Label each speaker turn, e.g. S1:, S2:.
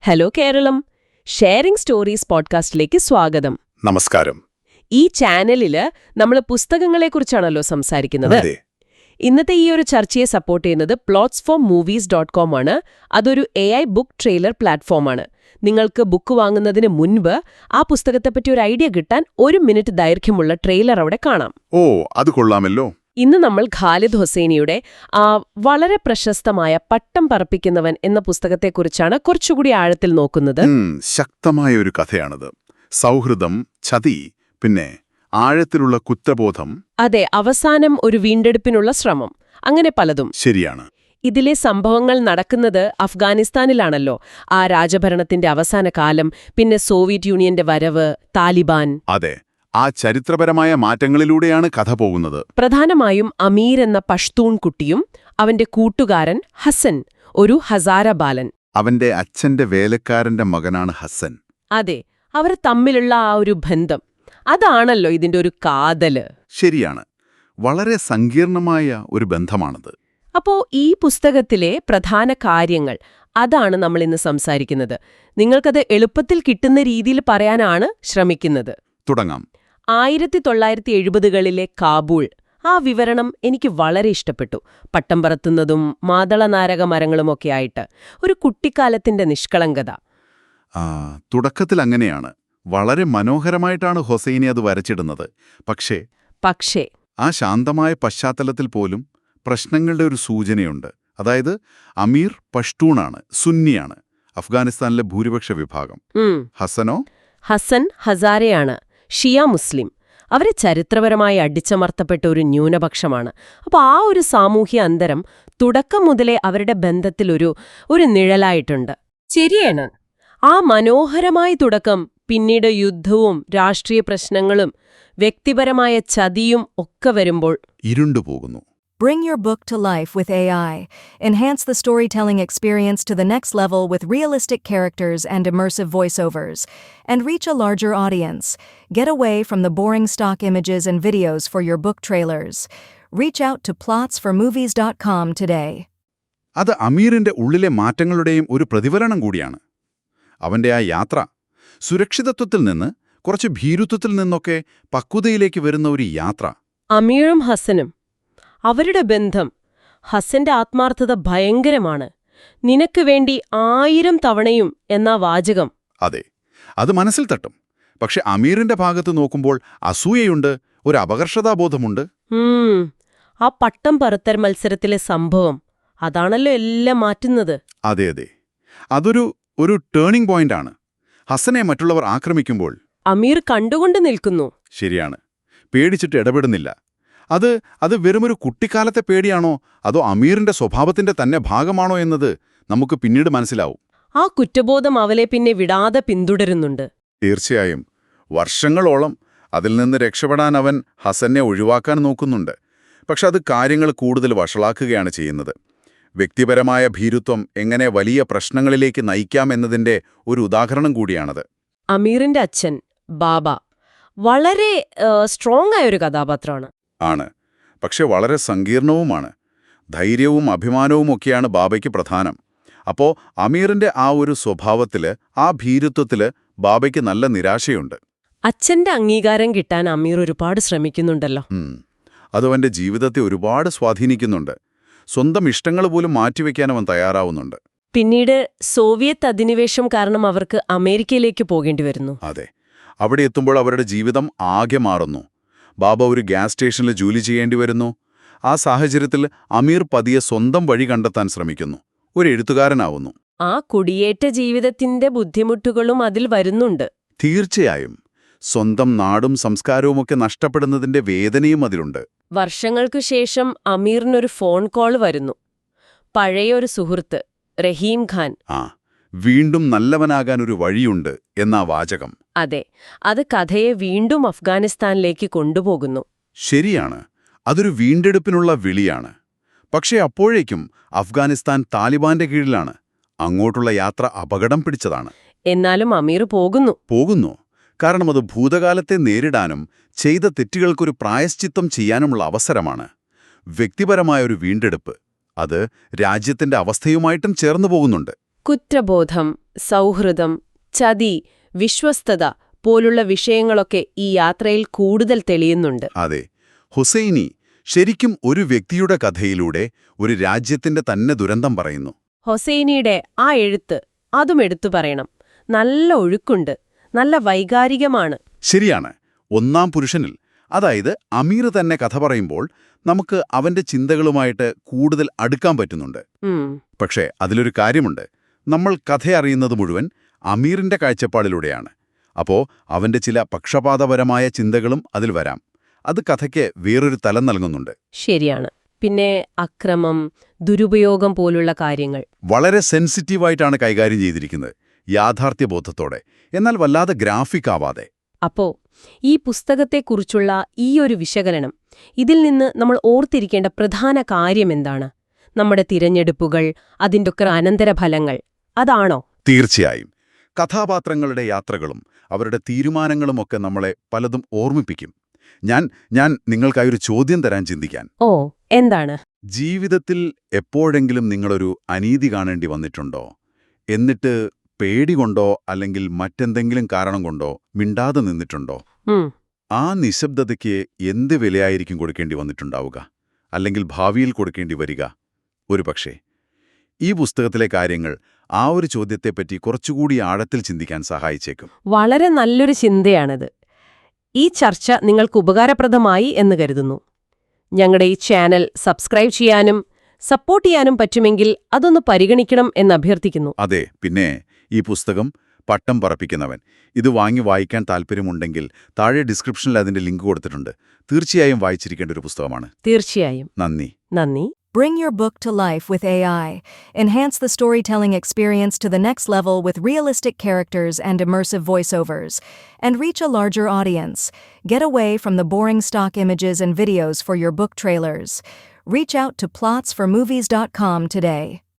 S1: Hello Keralam, sharing stories പോഡ്കാസ്റ്റിലേക്ക് സ്വാഗതം.
S2: നമസ്കാരം.
S1: ഈ ചാനലില് നമ്മൾ പുസ്തകങ്ങളെക്കുറിച്ചാണല്ലോ സംസാരിക്കുന്നത്.
S2: അതെ.
S1: ഇന്നത്തെ ഈ ഒരു ചർച്ചയെ സപ്പോർട്ട് ചെയ്യുന്നത് plotsformovies.com ആണ്. അതൊരു AI ബുക്ക് ട്രെയിലർ പ്ലാറ്റ്ഫോമാണ്. നിങ്ങൾക്ക് ബുക്ക് വാങ്ങുന്നതിന് മുൻപ് ആ പുസ്തകത്തെപ്പറ്റി ഒരു ഐഡിയ കിട്ടാൻ 1 മിനിറ്റ് ദൈർഘ്യമുള്ള ട്രെയിലർ അവിടെ കാണാം.
S2: ഓ, അത് കൊള്ളാമല്ലോ.
S1: ഇന്ന് നമ്മൾ ഖാലിദ് ഹുസൈനിയുടെ വളരെ പ്രശസ്തമായ പട്ടം പറപ്പിക്കുന്നവൻ എന്ന പുസ്തകത്തെക്കുറിച്ചാണ് കുറച്ചുകൂടി ആഴത്തിൽ നോക്കുന്നത്.
S2: ശക്തമായ ഒരു കഥയാണത്. സൗഹൃദം, ചതി, പിന്നെ ആഴത്തിലുള്ള കുറ്റബോധം.
S1: അതെ, അവസാനം ഒരു വീണ്ടെടുപ്പിനുള്ള ശ്രമം, അങ്ങനെ പലതും.
S2: ശരിയാണ്.
S1: ഇതിലെ സംഭവങ്ങൾ നടക്കുന്നത് അഫ്ഗാനിസ്ഥാനിലാണല്ലോ. ആ രാജഭരണത്തിന്റെ അവസാന കാലം, പിന്നെ സോവിയറ്റ് യൂണിയന്റെ വരവ്, താലിബാൻ.
S2: അതെ, ആ ചരിത്രപരമായ മാറ്റങ്ങളിലൂടെയാണ് കഥ പോകുന്നത്.
S1: പ്രധാനമായും അമീർ എന്ന പഷ്തൂൺ കുട്ടിയും അവന്റെ കൂട്ടുകാരൻ ഹസൻ, ഒരു ഹസാര ബാലൻ.
S2: അവന്റെ അച്ഛന്റെ വേലക്കാരന്റെ മകനാണ് ഹസൻ.
S1: അതെ, അവർ തമ്മിലുള്ള ആ ഒരു ബന്ധം, അതാണല്ലോ ഇതിന്റെ ഒരു കാതല്.
S2: ശരിയാണ്. വളരെ സങ്കീർണമായ ഒരു ബന്ധമാണത്.
S1: അപ്പോ ഈ പുസ്തകത്തിലെ പ്രധാന കാര്യങ്ങൾ, അതാണ് നമ്മൾ ഇന്ന് സംസാരിക്കുന്നത്. നിങ്ങൾക്കത് എളുപ്പത്തിൽ കിട്ടുന്ന രീതിയിൽ പറയാനാണ് ശ്രമിക്കുന്നത്.
S2: തുടങ്ങാം.
S1: 1970കളിലെ കാബൂൾ, ആ വിവരണം എനിക്ക് വളരെ ഇഷ്ടപ്പെട്ടു. പട്ടം പറത്തുന്നതും മാതളനാരക മരങ്ങളുമൊക്കെ ആയിട്ട് ഒരു കുട്ടിക്കാലത്തിന്റെ നിഷ്കളങ്കത.
S2: തുടക്കത്തിൽ അങ്ങനെയാണ്. വളരെ മനോഹരമായിട്ടാണ് ഹൊസൈനി അത് വരച്ചിടുന്നത്. പക്ഷേ ആ ശാന്തമായ പശ്ചാത്തലത്തിൽ പോലും പ്രശ്നങ്ങളുടെ ഒരു സൂചനയുണ്ട്. അതായത് അമീർ പഷ്തൂണാണ്, സുന്നിയാണ്, അഫ്ഗാനിസ്ഥാനിലെ ഭൂരിപക്ഷ വിഭാഗം.
S1: ഹസൻ ഹസാരയാണ്, ഷിയ മുസ്ലിം. അവരെ ചരിത്രപരമായി അടിച്ചമർത്തപ്പെട്ട ഒരു ന്യൂനപക്ഷമാണ്. അപ്പോൾ ആ ഒരു സാമൂഹ്യ അന്തരം തുടക്കം മുതലേ അവരുടെ ബന്ധത്തിൽ ഒരു നിഴലായിട്ടുണ്ട്. ശരിയാണ്. ആ മനോഹരമായ തുടക്കം പിന്നീട് യുദ്ധവും രാഷ്ട്രീയ പ്രശ്നങ്ങളും വ്യക്തിപരമായ ചതിയും ഒക്കെ വരുമ്പോൾ
S2: ഇരുണ്ടുപോകുന്നു.
S3: Bring your book to life with AI. Enhance the storytelling experience to the next level with realistic characters and immersive voiceovers. And reach a larger audience. Get away from the boring stock images and videos for your book trailers. Reach out to plotsformovies.com today.
S2: അത് അമീറിന്റെ ഉള്ളിലെ മാറ്റങ്ങളുടെയും ഒരു പ്രതിഫലനം കൂടിയാണ്. അവന്റെ ആ യാത്ര സുരക്ഷിതത്വത്തിൽ നിന്ന് കുറച്ച് ഭീരുത്വത്തിൽ നിന്നൊക്കെ പക്വതയിലേക്ക് വരുന്ന ഒരു യാത്ര.
S1: അമീറും ഹസനും അവരുടെ ബന്ധം, ഹസന്റെ ആത്മാർത്ഥത ഭയങ്കരമാണ്. നിനക്ക് വേണ്ടി 1000 തവണയും എന്ന വാചകം.
S2: അതെ, അത് മനസ്സിൽ തട്ടും. പക്ഷെ അമീറിന്റെ ഭാഗത്ത് നോക്കുമ്പോൾ അസൂയയുണ്ട്, ഒരു അപകർഷതാബോധമുണ്ട്.
S1: ആ പട്ടം പറത്തൽ മത്സരത്തിലെ സംഭവം, അതാണല്ലോ എല്ലാം മാറ്റുന്നത്.
S2: അതെ, അതൊരു ടേണിംഗ് പോയിന്റാണ്. ഹസനെ മറ്റുള്ളവർ ആക്രമിക്കുമ്പോൾ
S1: അമീർ കണ്ടുകൊണ്ട് നിൽക്കുന്നു.
S2: ശരിയാണ്, പേടിച്ചിട്ട് ഇടപെടുന്നില്ല. അത് വെറുമൊരു കുട്ടിക്കാലത്തെ പേടിയാണോ അതോ അമീറിന്റെ സ്വഭാവത്തിന്റെ തന്നെ ഭാഗമാണോ എന്നത് നമുക്ക് പിന്നീട് മനസ്സിലാവും.
S1: ആ കുറ്റബോധം അവലെ പിന്നെ വിടാതെ പിന്തുടരുന്നുണ്ട്.
S2: തീർച്ചയായും. വർഷങ്ങളോളം അതിൽ നിന്ന് രക്ഷപ്പെടാൻ അവൻ ഹസനെ ഒഴിവാക്കാൻ നോക്കുന്നുണ്ട്. പക്ഷെ അത് കാര്യങ്ങൾ കൂടുതൽ വഷളാക്കുകയാണ് ചെയ്യുന്നത്. വ്യക്തിപരമായ ഭീരുത്വം എങ്ങനെ വലിയ പ്രശ്നങ്ങളിലേക്ക് നയിക്കാമെന്നതിന്റെ ഒരു ഉദാഹരണം കൂടിയാണത്.
S1: അമീറിന്റെ അച്ഛൻ ബാബ വളരെ സ്ട്രോങ് ആയൊരു കഥാപാത്രമാണ്.
S2: ആണ്, പക്ഷെ വളരെ സങ്കീർണവുമാണ്. ധൈര്യവും അഭിമാനവുമൊക്കെയാണ് ബാബയ്ക്ക് പ്രധാനം. അപ്പോ അമീറിന്റെ ആ ഒരു സ്വഭാവത്തില്, ആ ഭീരുത്വത്തില് ബാബയ്ക്ക് നല്ല നിരാശയുണ്ട്.
S1: അച്ഛന്റെ അംഗീകാരം കിട്ടാൻ അമീർ ഒരുപാട് ശ്രമിക്കുന്നുണ്ടല്ലോ.
S2: അതവന്റെ ജീവിതത്തെ ഒരുപാട് സ്വാധീനിക്കുന്നുണ്ട്. സ്വന്തം ഇഷ്ടങ്ങൾ പോലും മാറ്റിവെക്കാൻ അവൻ തയ്യാറാവുന്നുണ്ട്.
S1: പിന്നീട് സോവിയറ്റ് അധിനിവേശം കാരണം അവർക്ക് അമേരിക്കയിലേക്ക് പോകേണ്ടി വരുന്നു.
S2: അതെ, അവിടെ എത്തുമ്പോൾ അവരുടെ ജീവിതം ആകെ മാറുന്നു. ബാബ ഒരു ഗ്യാസ് സ്റ്റേഷനിൽ ജോലി ചെയ്യേണ്ടി വരുന്നു. ആ സാഹചര്യത്തിൽ അമീർ പതിയെ സ്വന്തം വഴി കണ്ടെത്താൻ ശ്രമിക്കുന്നു. ഒരു എഴുത്തുകാരനാവുന്നു.
S1: ആ കുടിയേറ്റ ജീവിതത്തിന്റെ ബുദ്ധിമുട്ടുകളും അതിൽ വരുന്നുണ്ട്.
S2: തീർച്ചയായും. സ്വന്തം നാടും സംസ്കാരവുമൊക്കെ നഷ്ടപ്പെടുന്നതിന്റെ വേദനയും അതിലുണ്ട്.
S1: വർഷങ്ങൾക്കു ശേഷം അമീറിനൊരു ഫോൺ കോൾ വരുന്നു. പഴയൊരു സുഹൃത്ത് റഹീം ഖാൻ.
S2: വീണ്ടും നല്ലവനാകാൻ ഒരു വഴിയുണ്ട് എന്നാ വാചകം.
S1: അതെ, അത് കഥയെ വീണ്ടും അഫ്ഗാനിസ്ഥാനിലേക്ക് കൊണ്ടുപോകുന്നു.
S2: ശരിയാണ്, അതൊരു വീണ്ടെടുപ്പിനുള്ള വിളിയാണ്. പക്ഷേ അപ്പോഴേക്കും അഫ്ഗാനിസ്ഥാൻ താലിബാന്റെ കീഴിലാണ്. അങ്ങോട്ടുള്ള യാത്ര അപകടം പിടിച്ചതാണ്.
S1: എന്നാലും അമീർ പോകുന്നു.
S2: കാരണം അത് ഭൂതകാലത്തെ നേരിടാനും ചെയ്ത തെറ്റുകൾക്കൊരു പ്രായശ്ചിത്തം ചെയ്യാനുമുള്ള അവസരമാണ്. വ്യക്തിപരമായൊരു വീണ്ടെടുപ്പ്. അത് രാജ്യത്തിന്റെ അവസ്ഥയുമായിട്ടും ചേർന്നു പോകുന്നുണ്ട്.
S1: കുറ്റബോധം, സൗഹൃദം, ചതി, വിശ്വസ്തത പോലുള്ള വിഷയങ്ങളൊക്കെ ഈ യാത്രയിൽ കൂടുതൽ തെളിയുന്നുണ്ട്.
S2: അതെ, ഹുസൈനി ശരിക്കും ഒരു വ്യക്തിയുടെ കഥയിലൂടെ ഒരു രാജ്യത്തിന്റെ തന്നെ ദുരന്തം പറയുന്നു.
S1: ഹൊസൈനിയുടെ ആ എഴുത്ത് അതും എടുത്തു പറയണം. നല്ല ഒഴുക്കുണ്ട്, നല്ല വൈകാരികമാണ്.
S2: ശരിയാണ്. ഒന്നാം പുരുഷനിൽ, അതായത് അമീർ തന്നെ കഥ പറയുമ്പോൾ നമുക്ക് അവന്റെ ചിന്തകളുമായിട്ട് കൂടുതൽ അടുക്കാൻ പറ്റുന്നുണ്ട്. പക്ഷേ അതിലൊരു കാര്യമുണ്ട്. നമ്മൾ കഥ അറിയുന്നത് മുഴുവൻ അമീറിന്റെ കാഴ്ചപ്പാടിലൂടെയാണ്. അപ്പോ അവന്റെ ചില പക്ഷപാതപരമായ ചിന്തകളും അതിൽ വരാം. അത് കഥയ്ക്ക് വേറൊരു തലം നൽകുന്നുണ്ട്.
S1: ശരിയാണ്. പിന്നെ അക്രമം, ദുരുപയോഗം പോലുള്ള കാര്യങ്ങൾ
S2: വളരെ സെൻസിറ്റീവായിട്ടാണ് കൈകാര്യം ചെയ്തിരിക്കുന്നത്, യാഥാർത്ഥ്യബോധത്തോടെ, എന്നാൽ വല്ലാതെ ഗ്രാഫിക് ആവാതെ.
S1: അപ്പോ ഈ പുസ്തകത്തെക്കുറിച്ചുള്ള ഈയൊരു വിശകലനം, ഇതിൽ നിന്ന് നമ്മൾ ഓർത്തിരിക്കേണ്ട പ്രധാന കാര്യമെന്താണ്? നമ്മുടെ തിരഞ്ഞെടുപ്പുകൾ, അതിൻ്റെയൊക്കെ അനന്തരഫലങ്ങൾ, അതാണോ?
S2: തീർച്ചയായും. കഥാപാത്രങ്ങളുടെ യാത്രകളും അവരുടെ തീരുമാനങ്ങളുമൊക്കെ നമ്മളെ പലതും ഓർമ്മിപ്പിക്കും. ഞാൻ നിങ്ങൾക്കായൊരു ചോദ്യം തരാൻ ചിന്തിക്കാൻ.
S1: ഓ, എന്താണ്?
S2: ജീവിതത്തിൽ എപ്പോഴെങ്കിലും നിങ്ങളൊരു അനീതി കാണേണ്ടി വന്നിട്ടുണ്ടോ? എന്നിട്ട് പേടികൊണ്ടോ അല്ലെങ്കിൽ മറ്റെന്തെങ്കിലും കാരണം കൊണ്ടോ മിണ്ടാതെ നിന്നിട്ടുണ്ടോ? ആ നിശബ്ദതയ്ക്ക് എന്ത് വിലയായിരിക്കും കൊടുക്കേണ്ടി വന്നിട്ടുണ്ടാവുക, അല്ലെങ്കിൽ ഭാവിയിൽ കൊടുക്കേണ്ടി വരിക? ഒരുപക്ഷേ ഈ പുസ്തകത്തിലെ കാര്യങ്ങൾ ആ ഒരു ചോദ്യത്തെപ്പറ്റി കുറച്ചുകൂടി ആഴത്തിൽ ചിന്തിക്കാൻ സഹായിച്ചേക്കും.
S1: വളരെ നല്ലൊരു ചിന്തയാണിത്. ഈ ചർച്ച നിങ്ങൾക്ക് ഉപകാരപ്രദമായി എന്ന് കരുതുന്നു. ഞങ്ങളുടെ ഈ ചാനൽ സബ്സ്ക്രൈബ് ചെയ്യാനും സപ്പോർട്ട് ചെയ്യാനും പറ്റുമെങ്കിൽ അതൊന്ന് പരിഗണിക്കണം എന്ന് അഭ്യർത്ഥിക്കുന്നു.
S2: അതെ, പിന്നെ ഈ പുസ്തകം പട്ടം പറപ്പിക്കുന്നവൻ ഇത് വായിക്കാൻ താല്പര്യമുണ്ടെങ്കിൽ താഴെ ഡിസ്ക്രിപ്ഷനിൽ അതിന്റെ ലിങ്ക് കൊടുത്തിട്ടുണ്ട്. തീർച്ചയായും വായിച്ചിരിക്കേണ്ട ഒരു പുസ്തകമാണ്.
S1: തീർച്ചയായും.
S2: നന്ദി.
S3: Bring your book to life with AI. Enhance the storytelling experience to the next level with realistic characters and immersive voiceovers. And reach a larger audience. Get away from the boring stock images and videos for your book trailers. Reach out to plotsformovies.com today.